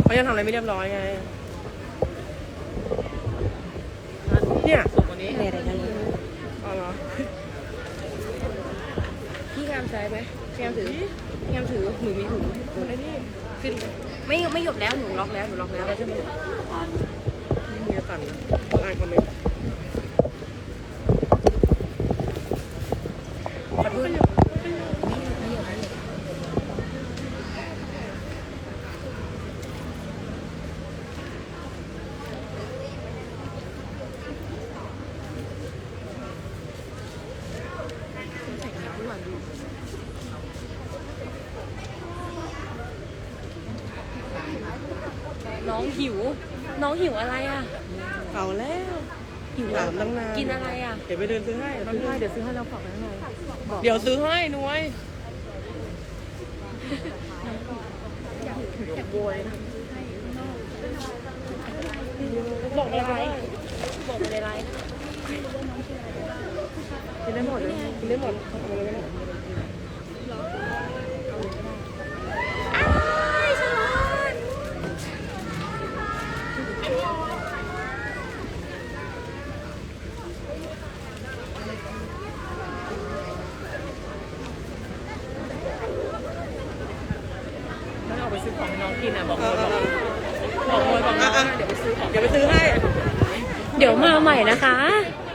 เขายังทำอะไรไม่เรียบร้อยไงเนี่ยสุกกว่านี้อะไรกันเลยอ๋อเหรอพี่งามใจไหมพี่งามถือพี่งามถือหนูมีถุงไอ้นี่ขึ้นไม่หยุดแล้วหนูล็อกแล้วใช่ไหมนี่มีสั่นอ่านคอมเมนต์ขอโทษน้องหิวอะไรอ่ะเก่าแล้วหิวถามตั้งนานกินอะไรอ่ะเดี๋ยวไปเดินซื้อให้เดี๋ยวซื้อให้เราฝากไว้หน่อยเดี๋ยวซื้อให้นุ้ยบอกอะไรบอกมาในไลน์กินได้หมดเลยกินได้หมดทำอะไรไม่ได้แล้วเอาไปซื้อของให้น้องกินอ่ะบอกเลยบอกน้องเดี๋ยวไปซื้อของเดี๋ยวไปซื้อให้เดี๋ยวมาใหม่นะคะเ